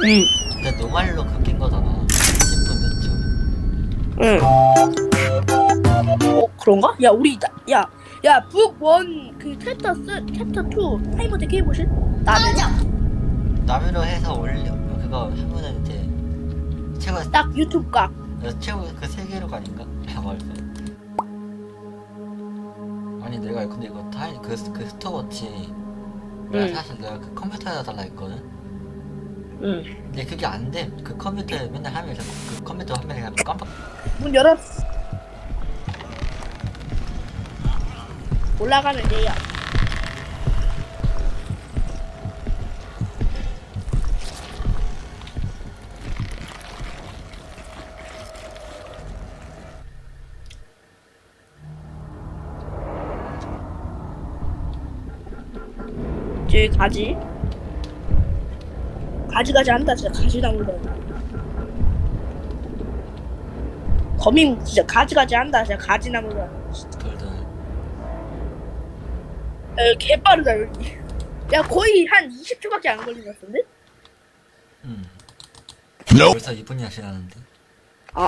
응. 근데 노말로 그낀 거잖아. 10분 몇 초. 응. 그런가? 야, 우리, 북1 그 챕터 2 타이머 되게 해보실? 나는 남으로 해서 올려. 그거 하면은 이제 최고 딱 유튜브 각. 최고 그 세 개로 가닌가? 라고 할 거. 아니 내가 근데 이거 그 스톱워치 내가 응. 사실 내가 그 컴퓨터에다 달라 했거든. 응. 근데 그게 안 돼. 그 컴퓨터에 맨날 하면 그 컴퓨터 화면에 그냥 깜빡. 문 열어. 올라가면 돼요. 저기 가지. 가지 한다. 진짜 가지 나물러. 거민 진짜 가지 한다. 진짜 가지 나물러. 돌돌. 개빠르다 여기. 야, 거의 한 20초밖에 안 걸린 것 같은데? 벌써 2분이나 지났는데. 아,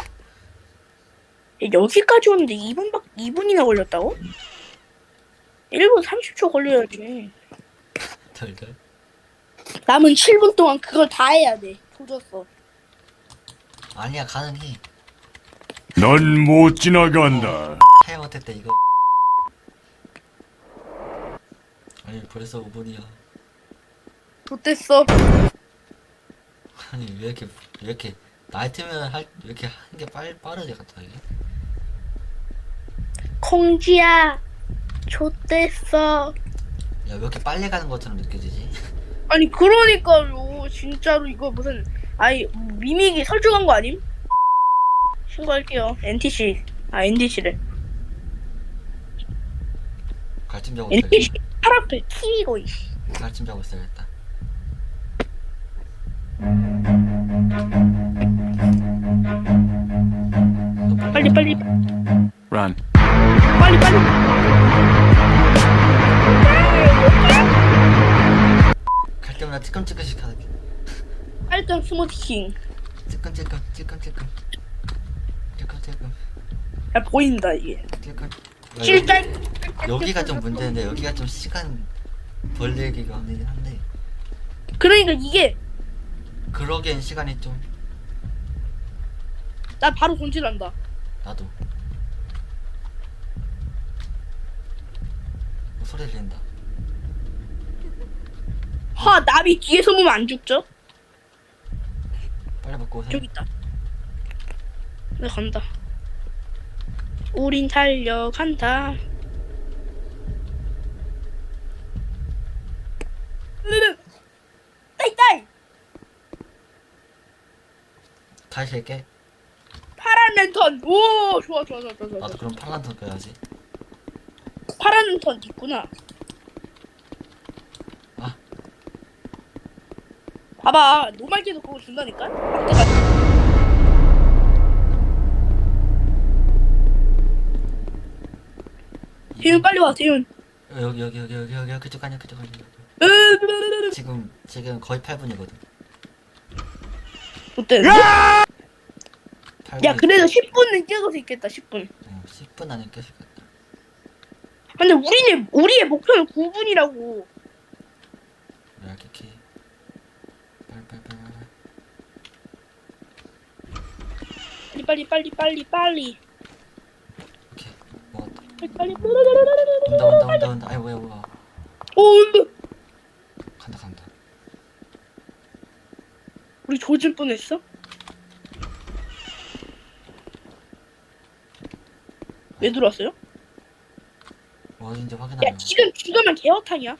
여기까지 오는데 2분이나 걸렸다고? 1분 30초 걸려야지. 돌돌. 남은 7분 동안 그걸 다 해야 돼. 조졌어. 아니야 가능해. 넌 못 지나간다. 해 못했대 이거. 아니 벌써 5분이야. 못됐어. 아니 왜 이렇게 나이트면 왜 이렇게 하는 게 빠르지 갑자기? 콩지야, 좆됐어. 야 왜 이렇게 빨리 가는 것처럼 느껴지지? 아니, 그러니까요. 진짜로 이거 무슨, 아니, 미믹이 설정한 거 아님? 신고할게요. NTC래. 갈증 자고 NTC 있어야겠다. 팔 앞에 TV고, 이씨. 갈증 자고 있어야겠다. 너 빨리. Run. 빨리. 갈 때마다 찌끔찌끔씩 하게. 빨간 스무디킹. 찌끔찌끔. 야, 보인다, 이게. 야, 찔짤. 여기가 좀 문제인데 여기가 좀 시간 벌리기가 힘들긴 한데 그러니까 이게, 그러기엔 시간이 좀. 나 바로 손질한다. 나도. 소리 들린다. 나비 뒤에서 보면 안 죽죠? 빨리 먹고 오세요. 저기 있다. 나 간다. 우린 달려간다. 따이. 다시 할게. 파란 랜턴. 오, 좋아. 나도 그럼 팔란터 껴야지. 파란 랜턴 있구나. 아. 봐봐, 노말계도 그거 준다니까? 막대가. 대윤 빨리 와, 대윤. 여기 그쪽 아니야. 지금 거의 8분이거든. 어때? 8분. 야, 그래도 10분은 뛰어갈 수 있겠다. 10분. 10분 안에 깰 수 있겠다. 근데 우리의 목표는 9분이라고. 이렇게 빨리. 오케이 먹었다. 빨리. 온다. 아이 뭐야. 오, 온다. 간다. 우리 조질 뻔했어? 왜 들어왔어요? 어딘지 야, 확인하려. 지금 죽으면 개어탕이야.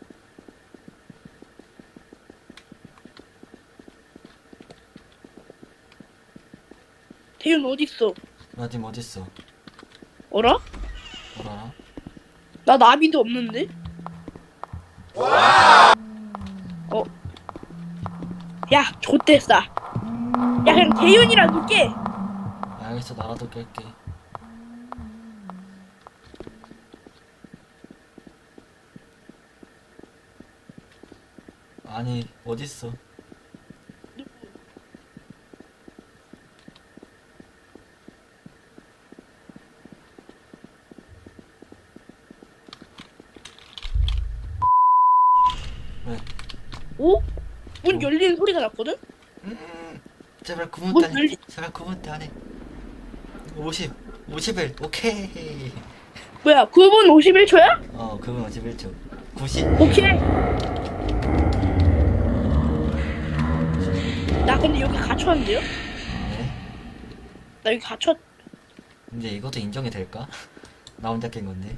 대윤 어딨어? 나 지금 어딨어? 어라? 뭐라? 나 나비도 없는데? 야, 좆됐어. 야, 그냥 대윤이랑 놀게. 알겠어. 나라도 깰게. 아니 어딨어? 오? 문 열리는 소리가 났거든? 제발 문 9분 때 열리... 제발 9분 때 안에 51 오케이. 뭐야 9분 51초야? 9분 51초 90. 오케이. 나 근데 여기 갇혔는데요? 네. 나 여기 갇혔... 근데 이것도 인정이 될까? 나 혼자 깬 건데.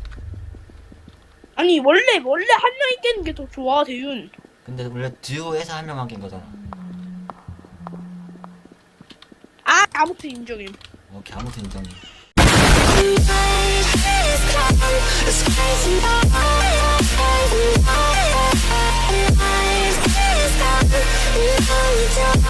아니 원래 한 명이 깨는 게 더 좋아 대윤. 근데 원래 듀오에서 한 명만 깬 거잖아. 아 아무튼 인정임. 오케이 아무튼 인정해.